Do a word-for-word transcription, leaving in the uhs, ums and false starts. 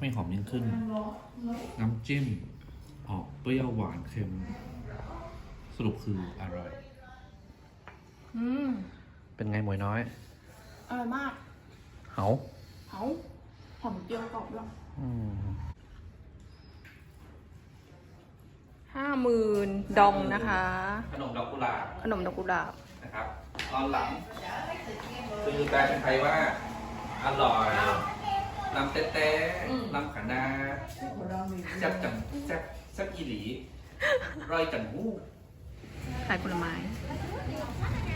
ให้หอมยิ่งขึ้น น้ำจิ้มออกเปรี้ยวหวานเค็ม สรุปคืออร่อยอืมเป็นไงหมวยน้อยอร่อยมากเหาเอาหอมเจียวกรอบด้วยอืมห้าหมื่นดองนะคะขนมดอกกุหลาบขนมดอกกุหลาบนะครับ ตอนหลัง คือแปลเป็นไทยว่า อร่อยลำเต๊ะๆลำขานาจับจังจับจับอีหลีรอยจังหู้ขายผลไม้